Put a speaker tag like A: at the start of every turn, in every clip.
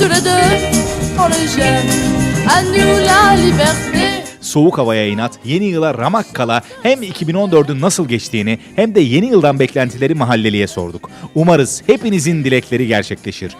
A: tous les deux, on les gêne. À nous la liberté.
B: Soğuk havaya inat, yeni yıla ramak kala hem 2014'ün nasıl geçtiğini hem de yeni yıldan beklentileri mahalleliye sorduk. Umarız hepinizin dilekleri gerçekleşir.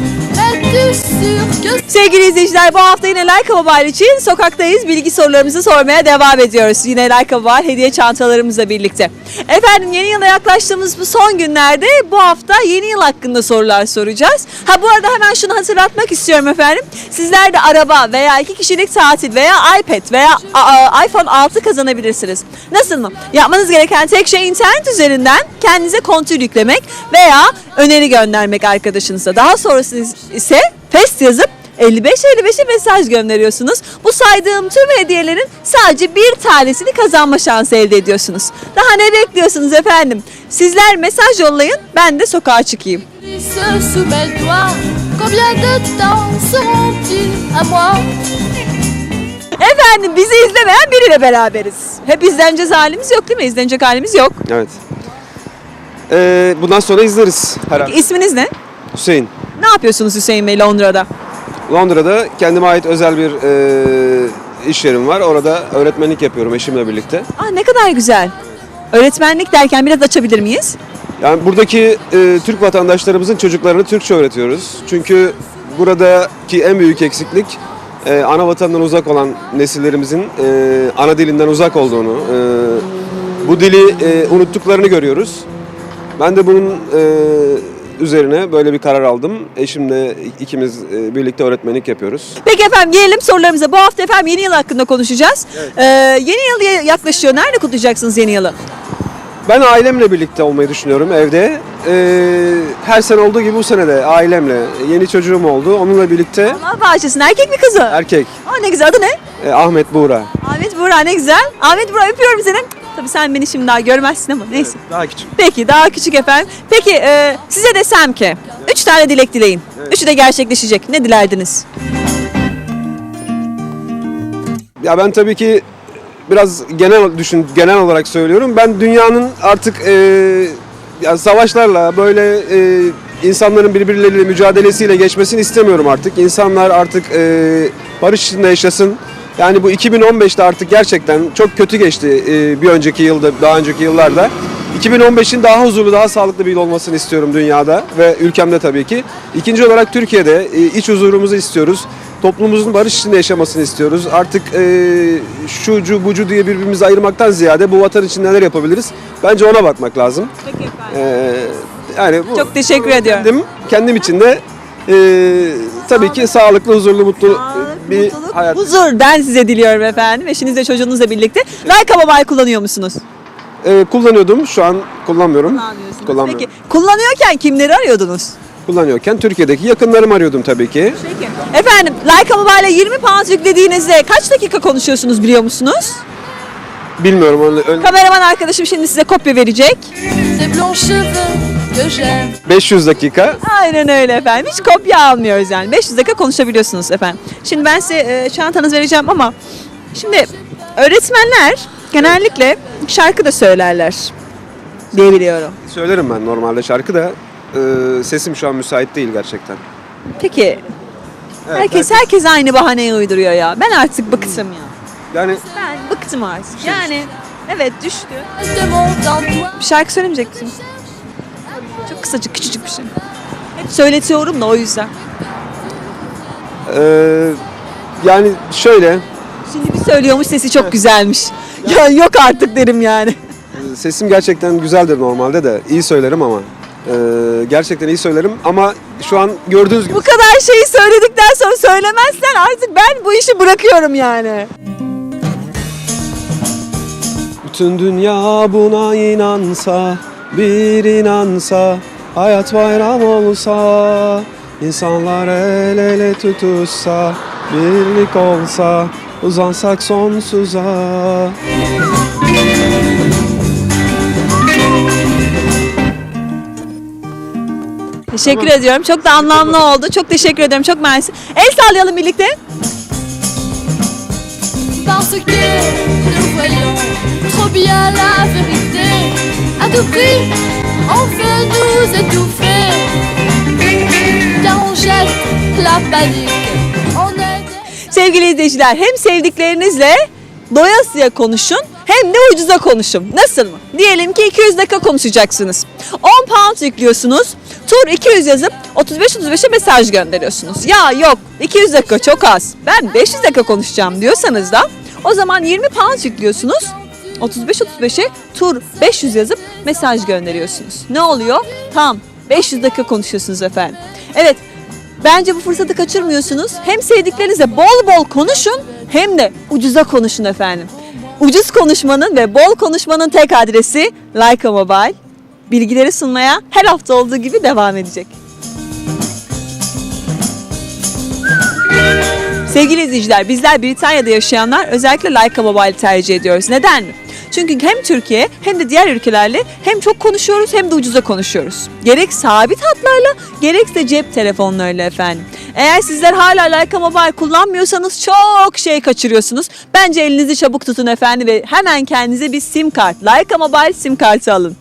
C: Sevgili izleyiciler, bu hafta yine Like Mobile için sokaktayız. Bilgi sorularımızı sormaya devam ediyoruz. Yine Like Mobile hediye çantalarımızla birlikte. Efendim, yeni yıla yaklaştığımız bu son günlerde bu hafta yeni yıl hakkında sorular soracağız. Bu arada hemen şunu hatırlatmak istiyorum efendim. Sizler de araba veya 2 kişilik tatil veya iPad veya iPhone 6 kazanabilirsiniz. Nasıl mı? Yapmanız gereken tek şey internet üzerinden kendinize kontür yüklemek veya öneri göndermek arkadaşınıza. Daha sonrası ise test yazıp 5555'e mesaj gönderiyorsunuz. Bu saydığım tüm hediyelerin sadece bir tanesini kazanma şansı elde ediyorsunuz. Daha ne bekliyorsunuz efendim? Sizler mesaj yollayın, ben de sokağa çıkayım. Efendim, bizi izlemeyen biriyle beraberiz. Hep izleneceğiz halimiz yok değil mi? İzlenecek halimiz yok.
D: Evet. Bundan sonra izleriz herhalde.
C: İsminiz ne?
D: Hüseyin.
C: Ne yapıyorsunuz Hüseyin Bey Londra'da?
D: Londra'da kendime ait özel bir iş yerim var. Orada öğretmenlik yapıyorum eşimle birlikte.
C: Ne kadar güzel. Öğretmenlik derken biraz açabilir miyiz?
D: Yani buradaki Türk vatandaşlarımızın çocuklarını Türkçe öğretiyoruz. Çünkü buradaki en büyük eksiklik ana vatandan uzak olan nesillerimizin ana dilinden uzak olduğunu, bu dili unuttuklarını görüyoruz. Ben de bunun üzerine böyle bir karar aldım. Eşimle ikimiz birlikte öğretmenlik yapıyoruz.
C: Peki efendim, gelelim sorularımıza. Bu hafta efendim yeni yıl hakkında konuşacağız. Evet. Yeni yıl yaklaşıyor. Nerede kutlayacaksınız yeni yılı?
D: Ben ailemle birlikte olmayı düşünüyorum evde. Her sene olduğu gibi bu sene de ailemle. Yeni çocuğum oldu. Onunla birlikte.
C: Allah bağışlasın. Erkek mi kızı?
D: Erkek.
C: Ne güzel. Adı ne?
D: Ahmet Buğra.
C: Ahmet Buğra, ne güzel. Ahmet Buğra, öpüyorum seni. Tabii sen beni şimdi daha görmezsin ama neyse.
D: Evet, daha küçük.
C: Peki, daha küçük efendim. Peki size desem ki 3 tane dilek dileyin. Evet. 3'ü de gerçekleşecek. Ne dilerdiniz?
D: Ya ben tabii ki biraz genel olarak söylüyorum. Ben dünyanın artık yani savaşlarla böyle insanların birbirleriyle mücadelesiyle geçmesini istemiyorum artık. İnsanlar artık barış içinde yaşasın. Yani bu 2015'te artık gerçekten çok kötü geçti bir önceki yılda, daha önceki yıllarda. 2015'in daha huzurlu, daha sağlıklı bir yıl olmasını istiyorum dünyada ve ülkemde tabii ki. İkinci olarak Türkiye'de iç huzurumuzu istiyoruz. Toplumumuzun barış içinde yaşamasını istiyoruz. Artık şucu bucu diye birbirimizi ayırmaktan ziyade bu vatan için neler yapabiliriz? Bence ona bakmak lazım.
C: Peki efendim.
D: Yani
C: çok teşekkür ediyorum.
D: Kendim için de tabii ki sağlıklı, huzurlu, mutlu bir hayat.
C: Huzur ben size diliyorum efendim. Eşinizle, çocuğunuzla birlikte. Like Mobile kullanıyor musunuz?
D: Kullanıyordum. Şu an kullanmıyorum.
C: Kullanmıyorum. Peki kullanıyorken kimleri arıyordunuz?
D: Kullanıyorken Türkiye'deki yakınlarımı arıyordum tabii ki.
C: Peki. Efendim, Like Mobile'e 20 pound yüklediğinizde kaç dakika konuşuyorsunuz biliyor musunuz?
D: Bilmiyorum.
C: Kameraman arkadaşım şimdi size kopya verecek.
D: 500 dakika.
C: Aynen öyle efendim. Hiç kopya almıyoruz yani. 500 dakika konuşabiliyorsunuz efendim. Şimdi ben size çantanızı vereceğim ama şimdi öğretmenler genellikle şarkı da söylerler diye biliyorum.
D: Söylerim ben normalde şarkı da sesim şu an müsait değil gerçekten.
C: Peki. Evet, herkes aynı bahaneyi uyduruyor ya. Ben artık bıktım ya.
D: Yani
C: ben bıktım artık. Yani evet, düştü. Bir şarkı söylemeyecek misin? Çok kısacık, küçücük bir şey. Hep söyletiyorum da o yüzden.
D: Yani şöyle.
C: Şimdi bir söylüyormuş, sesi çok güzelmiş. Ya yok artık derim yani.
D: Sesim gerçekten güzeldir normalde de. İyi söylerim ama. Gerçekten iyi söylerim ama şu an gördüğünüz gibi.
C: Bu kadar şeyi söyledikten sonra söylemezsen artık ben bu işi bırakıyorum yani.
D: Bütün dünya buna inansa, bir inansa, hayat bayram olsa, insanlar el ele tutuşsa, birlik olsa, uzansak sonsuza.
C: Teşekkür ediyorum. Çok da anlamlı oldu. Çok teşekkür ederim. Çok mersi. El sallayalım birlikte.
A: Parce que nous voyons trop bien la vérité. À tout prix, on veut nous étouffer. Viens on jette la panique. On est
C: Sevgili izleyiciler, hem sevdiklerinizle doyasıya konuşun hem de ucuza konuşun. Nasıl mı? Diyelim ki 200 dakika konuşacaksınız. 10 pound yüklüyorsunuz. Tur 200 yazıp 35-35'e mesaj gönderiyorsunuz. Ya yok 200 dakika çok az. Ben 500 dakika konuşacağım diyorsanız da o zaman 20 pound yüklüyorsunuz. 35-35'e tur 500 yazıp mesaj gönderiyorsunuz. Ne oluyor? Tam 500 dakika konuşuyorsunuz efendim. Evet, bence bu fırsatı kaçırmıyorsunuz. Hem sevdiklerinizle bol bol konuşun hem de ucuza konuşun efendim. Ucuz konuşmanın ve bol konuşmanın tek adresi Leica Mobile. Bilgileri sunmaya her hafta olduğu gibi devam edecek. Sevgili izleyiciler, bizler Britanya'da yaşayanlar özellikle Leica Mobile'i tercih ediyoruz. Neden mi? Çünkü hem Türkiye hem de diğer ülkelerle hem çok konuşuyoruz hem de ucuza konuşuyoruz. Gerek sabit hatlarla gerekse cep telefonlarıyla efendim. Eğer sizler hala Leica Mobile kullanmıyorsanız çok şey kaçırıyorsunuz. Bence elinizi çabuk tutun efendim ve hemen kendinize bir sim kart, Leica Mobile sim kartı alın.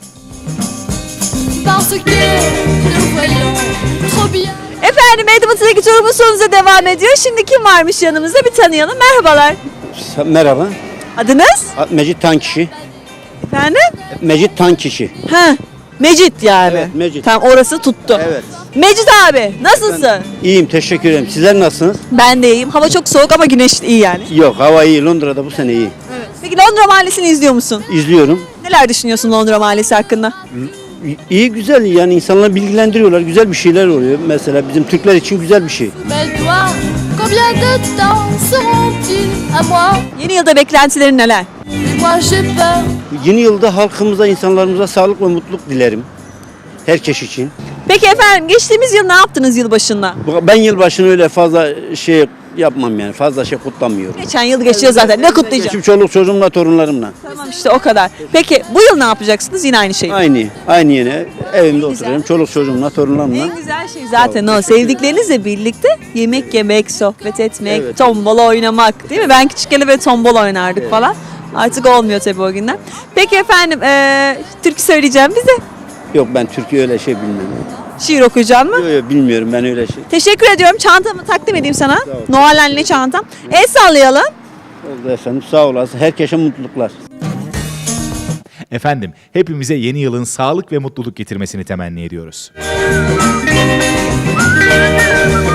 A: parce que nous voyons trop bien.
C: Efendim Edmonton'daki turumuz sonunuza devam ediyor. Şimdi kim varmış yanımızda bir tanıyalım. Merhabalar.
E: Merhaba.
C: Adınız?
E: Mecit Tankişi.
C: Efendim?
E: Mecit Tankişi.
C: Ha, Mecit yani.
E: Evet, Mecit.
C: Tamam, orası tuttu.
E: Evet.
C: Mecit abi nasılsın?
E: İyiyim, teşekkür ederim. Sizler nasılsınız?
C: Ben de iyiyim. Hava çok soğuk ama güneş iyi yani.
E: Yok, hava iyi. Londra'da bu sene iyi.
C: Peki Londra Mahallesi'ni izliyor musun?
E: İzliyorum.
C: Neler düşünüyorsun Londra Mahallesi hakkında?
E: İyi, güzel. Yani insanları bilgilendiriyorlar. Güzel bir şeyler oluyor. Mesela bizim Türkler için güzel bir şey.
A: Mes doigts, combien de temps seront-ils à moi?
C: Yeni yılda beklentilerin neler?
A: Et moi j'ai peur.
E: Yeni yılda halkımıza, insanlarımıza sağlık ve mutluluk dilerim. Herkes için.
C: Peki efendim geçtiğimiz yıl ne yaptınız yılbaşında?
E: Ben yılbaşını öyle fazla şey yapmam yani. Fazla şey kutlamıyorum.
C: Geçen yıl geçiyor zaten. Ne kutlayacağım?
E: Şimdi çoluk çocuğumla, torunlarımla.
C: Tamam işte o kadar. Peki bu yıl ne yapacaksınız? Yine aynı şey.
E: Aynı yine. Evimde oturuyorum. Çoluk çocuğumla, torunlarımla.
C: En güzel şey zaten o. Sevdiklerinizle birlikte yemek yemek, sohbet etmek,
E: Evet.
C: tombala oynamak. Değil mi? Ben küçükken böyle tombala oynardık falan. Artık olmuyor tabii o günler. Peki efendim türkü söyleyeceğim bize.
E: Yok, ben Türkiye öyle şey bilmem.
C: Şiir okuyacağım mı?
E: Yok, bilmiyorum ben öyle şey.
C: Teşekkür ediyorum. Çantamı takdim edeyim sana.
E: ol.
C: Noel çantam. El sallayalım.
E: Oldu efendim, sağ olasın. Herkese mutluluklar.
B: Efendim, hepimize yeni yılın sağlık ve mutluluk getirmesini temenni ediyoruz.